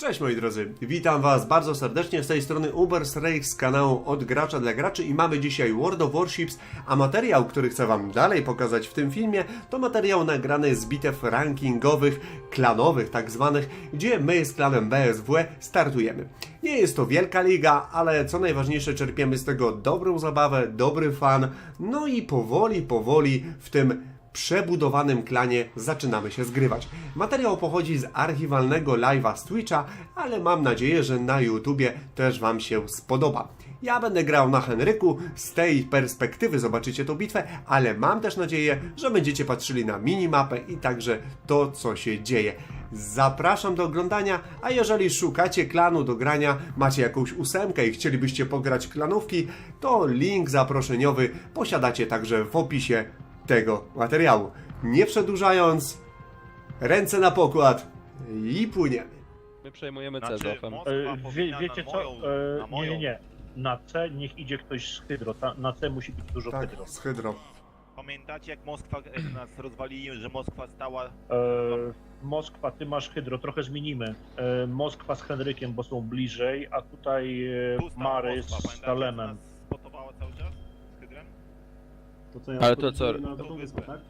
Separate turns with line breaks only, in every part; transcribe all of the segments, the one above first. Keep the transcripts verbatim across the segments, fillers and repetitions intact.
Cześć moi drodzy, witam was bardzo serdecznie z tej strony Ubersreich z kanału Od Gracza dla Graczy i mamy dzisiaj World of Warships, a materiał, który chcę wam dalej pokazać w tym filmie, to materiał nagrany z bitew rankingowych, klanowych tak zwanych, gdzie my z klanem B S W startujemy. Nie jest to wielka liga, ale co najważniejsze czerpiemy z tego dobrą zabawę, dobry fan, no i powoli, powoli w tym przebudowanym klanie zaczynamy się zgrywać. Materiał pochodzi z archiwalnego live'a z Twitcha, ale mam nadzieję, że na YouTubie też wam się spodoba. Ja będę grał na Henryku, z tej perspektywy zobaczycie tą bitwę, ale mam też nadzieję, że będziecie patrzyli na minimapę i także to, co się dzieje. Zapraszam do oglądania, a jeżeli szukacie klanu do grania, macie jakąś ósemkę i chcielibyście pograć klanówki, to link zaproszeniowy posiadacie także w opisie tego materiału. Nie przedłużając, ręce na pokład i płyniemy.
My przejmujemy C
Znaczy,
z ofem.
Moskwa
E, wie,
powinna
wiecie
na
co?
moją-
E,
na
nie,
moją.
nie, nie. Na C niech idzie ktoś z hydro. Ta, na C musi być dużo
Tak,
hydro.
z hydro.
Pamiętacie jak Moskwa e, nas rozwalili, że Moskwa stała...
E, Moskwa, ty masz hydro, trochę zmienimy. E, Moskwa z Henrykiem, bo są bliżej, a tutaj e,
Tu stała
Mary
Moskwa,
z
pamiętacie,
Salemem.
jak nas spotowała cały czas z Hydrem?
To co ja
Ale to co?
Na
To
tą
wyspę.
wyspę, tak?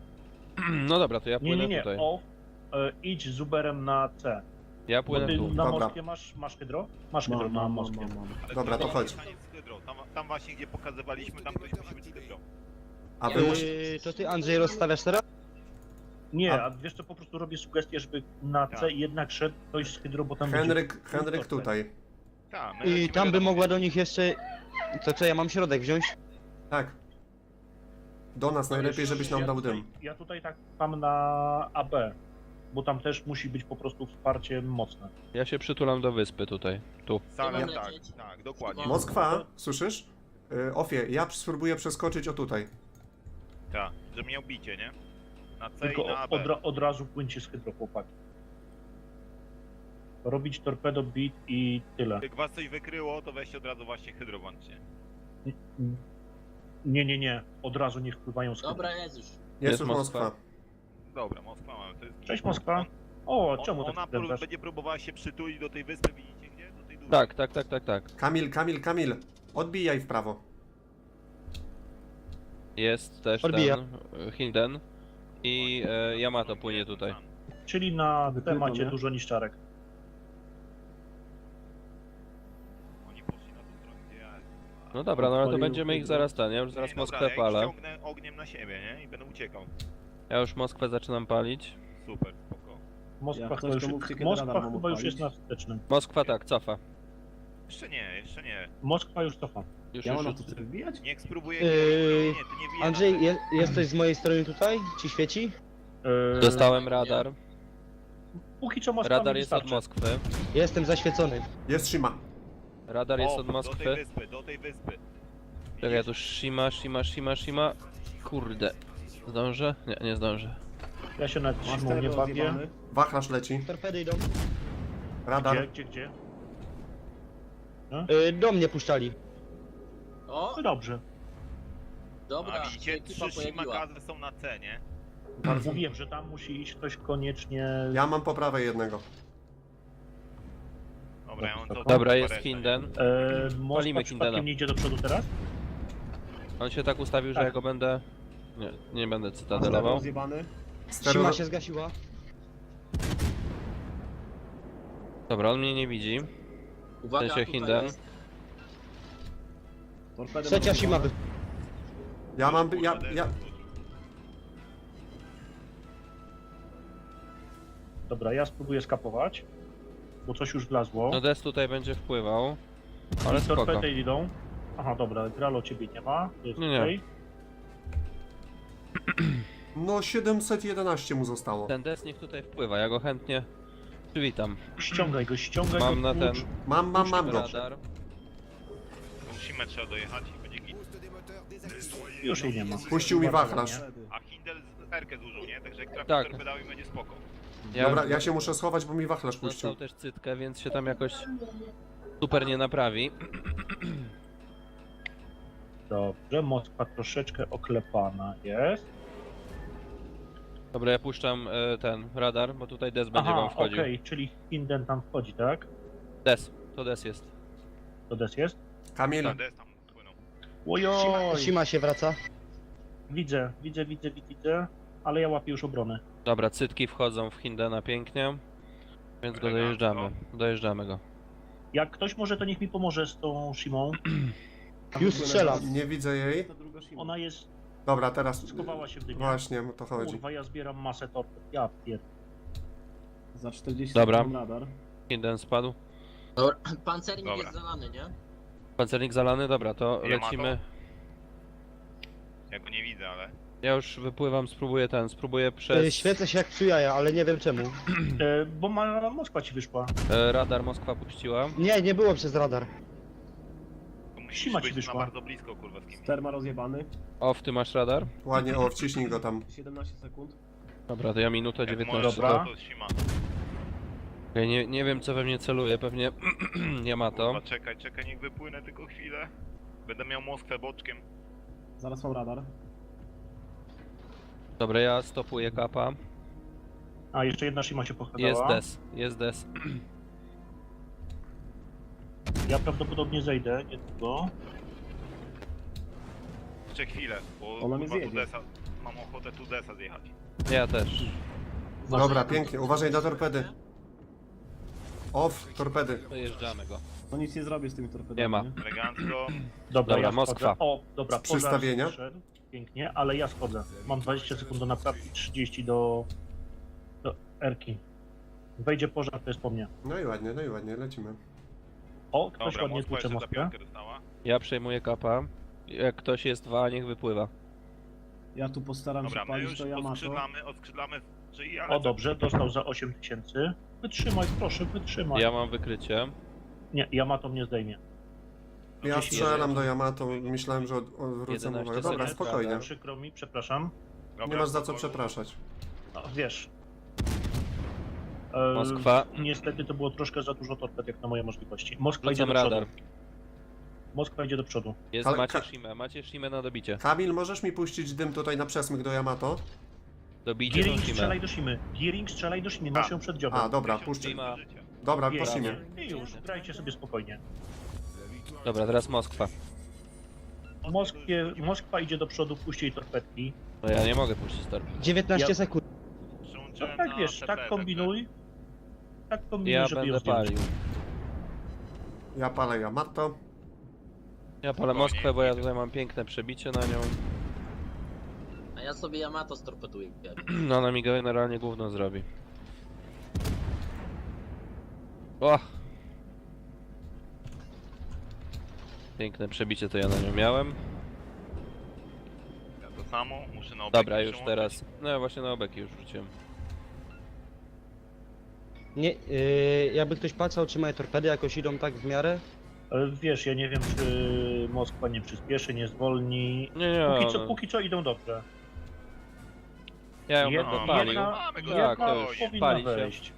No dobra, to ja
Nie,
płynę
nie, nie.
tutaj.
O, e, idź z Uberem na C.
Ja
Bo
płynę
ty
tu.
na
Dobra.
Moskwie masz, masz hydro? Masz hydro
Mam,
na
mam, mam,
Moskwie.
mam, mam.
Ale
Dobra, to
tam
chodź.
mieszkanie z Hydro. Tam, tam właśnie gdzie pokazywaliśmy, tam ktoś musi być z Hydro.
A wy musicie...
Yy, to ty Andrzej rozstawiasz teraz?
Nie,
A-
a wiesz co, po prostu robię sugestię, żeby na C
Tak.
jednak szedł ktoś z hydro, bo tam
Henryk,
będzie...
Henryk tutaj.
Ta, my
I
lecimy
tam by
wiadomo,
mogła do nich jeszcze... To co, ja mam środek wziąć?
Tak. Do nas najlepiej, żebyś nam
ja
dał
tutaj,
dym.
Ja tutaj tak mam na A B, bo tam też musi być po prostu wsparcie mocne.
Ja się przytulam do wyspy tutaj. Tu.
Salem,
Ja-
tak, tak, dokładnie.
Moskwa, słyszysz? Y, Ofie, ja spróbuję przeskoczyć o tutaj.
Tak, że miał bicie, nie? Na C
Tylko
i na A
od,
B.
ra- od razu płyńcie z hydro, chłopaki. Robić torpedo, beat i tyle.
Jak was coś wykryło, to weźcie od razu właśnie Hydro włączcie.
Nie, nie, nie. Od razu niech wpływają z hydro.
Dobra, jest już.
Jest
Jest
już
Moskwa.
Moskwa.
Dobra, Moskwa mamy, to jest...
Cześć Moskwa. O,
On,
czemu
ona
tak
pró-
wkręcasz?
będzie próbowała się przytulić do tej wyspy, widzicie gdzie? Do tej dużej.
Tak, tak, tak, tak, tak.
Kamil, Kamil, Kamil. Odbijaj w prawo.
Jest też
Odbija.
ten Hinden i e, Yamato płynie tutaj.
Czyli na
Wykryto,
temacie
nie?
dużo niszczarek.
Oni poszli na tą stronę, gdzie ja...
No dobra, no ale to
Odpalił
będziemy ich
hydro.
zaraz ten, ja już zaraz
Nie,
Moskwę
dobra, ja ich
palę.
ściągnę ogniem na siebie, nie? I będę uciekał.
Ja już Moskwę zaczynam palić.
Super, spoko.
Moskwa,
Jak
chyba
coś,
już,
to mówcie, kiedy
Moskwa
radar mam
chyba już
odpalić.
jest na wstecznym.
Moskwa tak, cofa.
Jeszcze nie, jeszcze nie.
Moskwa już cofa.
Już,
Ja
już,
mam na
już.
to chcę wbijać?
Niech spróbuję...
Yy,
Nie, nie, ty nie wijaj
Andrzej,
na-
je, jesteś z mojej strony tutaj? Ci świeci?
Yy,
Dostałem radar.
Póki co Moskwa
Radar
mi
jest od
wystarczy.
Moskwy.
Jestem zaświecony.
Jest Shima.
Radar jest
O,
od
Do tej
Moskwy.
wyspy, do tej wyspy.
Czekaj, ja tu Shima, Shima, Shima, Shima. Kurde. Zdążę? Nie, nie zdążę.
Ja się nad
Master
zimą nie bawię.
rozjebany.
Wachlarz leci.
Torpedy idą.
Radar.
Gdzie, gdzie, gdzie?
Yy, do mnie puszczali.
O,
No dobrze.
dobra,
A widzicie,
ekipa
trzy
pojawiła.
shimakazy są na C, nie?
Bardzo.
Mówiłem, że tam musi iść ktoś koniecznie...
Ja mam po prawej jednego.
Dobra, ja mam to...
Dobra, jest
parę-
Hinden.
E,
Palimy
Moskwa
Hindena.
przypadkiem nie idzie do przodu teraz?
On się tak ustawił, że
Tak.
ja go będę... Nie, nie będę
Master
cytadelował.
rozjebany.
Stereo...
Sima się zgasiła.
Dobra, on mnie nie widzi.
Uwaga,
Ten się
tutaj
Hinden.
jest.
Torpedy
Trzecia Sima wy...
Ja mam... Ja, ja...
Dobra, ja spróbuję skapować, bo coś już wlazło.
No Des tutaj będzie wpływał. Ale spoko.
Torpedy idą. Aha, dobra, Gralo ciebie nie ma. Jest
Nie, nie.
okej.
No siedemset jedenaście mu zostało.
Ten Des niech tutaj wpływa, ja go chętnie przywitam.
Ściągaj go, ściągaj
Mam
go.
na ten
tłucz.
Mam, mam, mam go.
radar.
Musimy trzeba dojechać i będzie git.
Już jej nie ma.
Puścił mi wachlarz.
Torpedy.
A Hindel z Erkę zużył, nie? Także jak trafi
Tak.
torpedami będzie spoko.
Ja
Dobra, ja się muszę schować, bo mi wachlarz puścił.
dostał też cytkę, więc się tam jakoś super nie naprawi.
Dobrze, Moskwa troszeczkę oklepana jest.
Dobra, ja puszczam e, ten radar, bo tutaj Des będzie
Aha,
wam wchodził.
okej, czyli Hinden tam wchodzi, tak?
Des, to Des jest.
To des jest?
Kamil,
Tak, des tam płynął.
Shima,
Ojoj!
Shima się wraca.
Widzę, widzę, widzę, widzę, ale ja łapię już obronę.
Dobra, cytki wchodzą w Hindena pięknie. Więc go dojeżdżamy. Dojeżdżamy go.
Jak ktoś może, to niech mi pomoże z tą Shimą.
Już strzelam.
nie widzę jej.
Ona jest,
Dobra, teraz...
schowała się w dymie.
Właśnie, o to chodzi.
Kurwa, ja zbieram masę torped. Ja pier...
Za czterdzieści
Dobra.
sekund radar.
Hinden spadł.
Dobra, pancernik
Dobra.
jest zalany, nie?
Pancernik zalany, dobra, to
Nie ma
lecimy.
Ja go nie widzę, ale...
Ja już wypływam, spróbuję ten, spróbuję
Y,
przez
Świecę się jak psu jaja, ale nie wiem czemu.
E, bo ma Moskwa ci wyszła.
e, radar Moskwa puściła.
Nie, nie było przez radar.
To musisz
Sima ci
być na
wyszła.
bardzo blisko, kurwa, z kimś.
Sterma rozjebany.
Off, ty masz radar?
Ładnie, o, wciśnij go tam.
siedemnaście sekund.
Dobra, to ja minutę
Jak
dziewiętnaście.
możesz,
Dobra.
to Sima.
Okej, nie, nie wiem co we mnie celuje, pewnie nie ma to.
Kurwa, czekaj, czekaj, niech wypłynę tylko chwilę. Będę miał Moskwę boczkiem.
Zaraz mam radar.
Dobra, ja stopuję kapa.
A, jeszcze jedna Shima się
Jest
pochadzała.
des, jest des.
Ja prawdopodobnie zejdę niedługo.
Jeszcze chwilę, bo
Ona mnie
kurwa, tu
zjedzie.
desa, mam ochotę tu desa zjechać.
Ja też.
Dobra, pięknie, uważaj na torpedy. Off, torpedy.
Dojeżdżamy go.
No nic nie zrobię z tymi torpedami.
Nie ma.
Elegancko.
Dobra,
Dobra,
ja
Moskwa.
schodzę. O, dobra, pożar
Przystawienia.
zszedł. Pięknie, ale ja schodzę. Mam dwadzieścia sekund do naprawki, trzydzieści do... do Erki. Wejdzie pożar, to jest po mnie.
No i ładnie, no i ładnie, lecimy.
O, ktoś
Dobra,
ładnie
Moskwa
tłucze
jeszcze za
Moskwę.
piątkę dostała.
Ja przejmuję kapa. Jak ktoś jest dwa, niech wypływa.
Ja tu postaram
Dobra,
się
my
palić
już
to Yamato.
odskrzydlamy, odskrzydlamy, czyli ale...
O, dobrze, dostał za osiem tysięcy. Wytrzymaj, proszę, wytrzymaj.
Ja mam wykrycie.
Nie, Yamato mnie zdejmie.
Ja
Dziesięć-
strzelam do Yamato, myślałem, że od- odwrócę
jedenaście
uwagę. Dobra,
sekund.
spokojnie.
Przykro mi, przepraszam.
Dobra,
Nie masz za co
spokojnie.
przepraszać.
No, wiesz. E,
Moskwa.
Niestety to było troszkę za dużo torped, jak na moje możliwości. Moskwa idzie
Rzucam
do przodu.
radar.
Moskwa idzie do przodu.
Jest,
Ale
macie
ka-
Shimę, macie Shimę na dobicie.
Kamil, możesz mi puścić dym tutaj na przesmyk do Yamato?
Dobijcie tą
Gearing
Shimę.
strzelaj do Shimy. Gearing strzelaj do Shimy, masz ją przed dziobem.
A, dobra,
Tysiąc
puszczę.
do życia.
Dobra,
Pięknie.
prosimy.
I już, grajcie sobie spokojnie.
Dobra, teraz Moskwa.
Moskwie, Moskwa idzie do przodu, puść jej torpedki.
No ja nie mogę puścić torped.
dziewiętnaście
Ja-
sekund.
No
Przyłączyłem
tak
na
wiesz,
T P,
tak kombinuj. Tak kombinuj,
Ja
żeby ją
będę
zdjąć.
palił.
Ja palę Yamato.
Ja palę Moskwę, bo ja tutaj mam piękne przebicie na nią.
A ja sobie Yamato storpeduję.
No ona mi generalnie gówno zrobi. O! Piękne przebicie to ja na nią miałem.
Ja to samo, muszę na obek
Dobra, już
przyłączyć.
teraz. No ja właśnie na obeki już rzuciłem.
Nie, yy, jakby ktoś patrzał, czy moje torpedy jakoś idą tak w miarę.
E, Wiesz, ja nie wiem, czy Moskwa nie przyspieszy, nie zwolni.
Nie, nie,
Póki co,
no.
póki co idą dobrze.
Ja ją
Jedna-
będę palił.
jedna-
Mamy go,
Tak, to
spokojnie.
już
powinna
pali się.
wejść.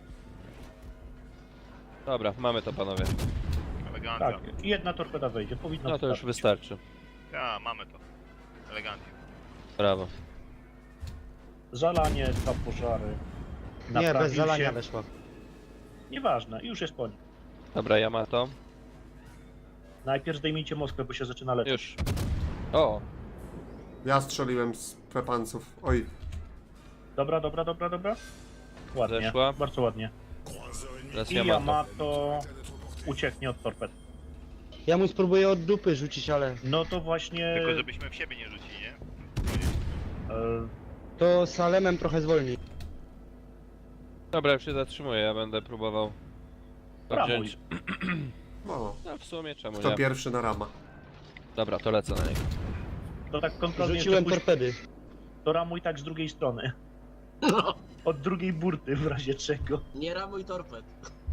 Dobra, mamy to panowie.
Elegancja.
Tak, jedna torpeda wejdzie, powinno
No to już
wystarczyć.
wystarczy.
Ja, mamy to. Elegancja.
Brawo.
Zalanie, dwa pożary.
Nie,
Naprawił
bez zalania
się.
weszła.
Nieważne, już jest po nim.
Dobra, Yamato.
Najpierw zdejmijcie Moskwę, bo się zaczyna leczyć.
Już. O!
Ja strzeliłem z pepanców. Oj,
Dobra, dobra, dobra, dobra. Ładnie,
Zeszła.
bardzo ładnie.
Teraz
I
Yamato.
Yamato ucieknie od torped.
Ja mu spróbuję od dupy rzucić, ale
No to właśnie...
Tylko żebyśmy w siebie nie rzucili, nie?
e,
to Salemem trochę zwolni.
Dobra, już się zatrzymuję, ja będę próbował to
Brawo.
wziąć.
no.
No w sumie czemu
Kto
nie?
pierwszy na rama?
Dobra, to lecę na niego.
to tak kontrolnie
Rzuciłem
jeszcze pójdź-
torpedy.
to ramuj tak z drugiej strony.
No,
Od drugiej burty w razie czego.
nie ramuj torped.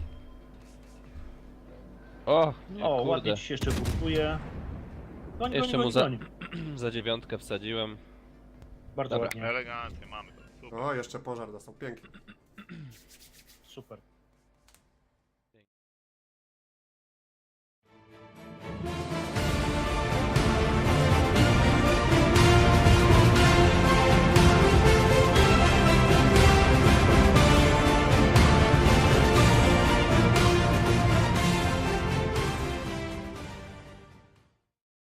O! Nie,
O,
kurde.
ładnie ci się jeszcze burtuje. Goń,
Jeszcze
goń,
mu
goń,
za-
goń.
Za dziewiątkę wsadziłem.
Bardzo
Dobra.
ładnie,
Elegancja, mamy to. Super.
O, jeszcze pożar dostał, pięknie.
super.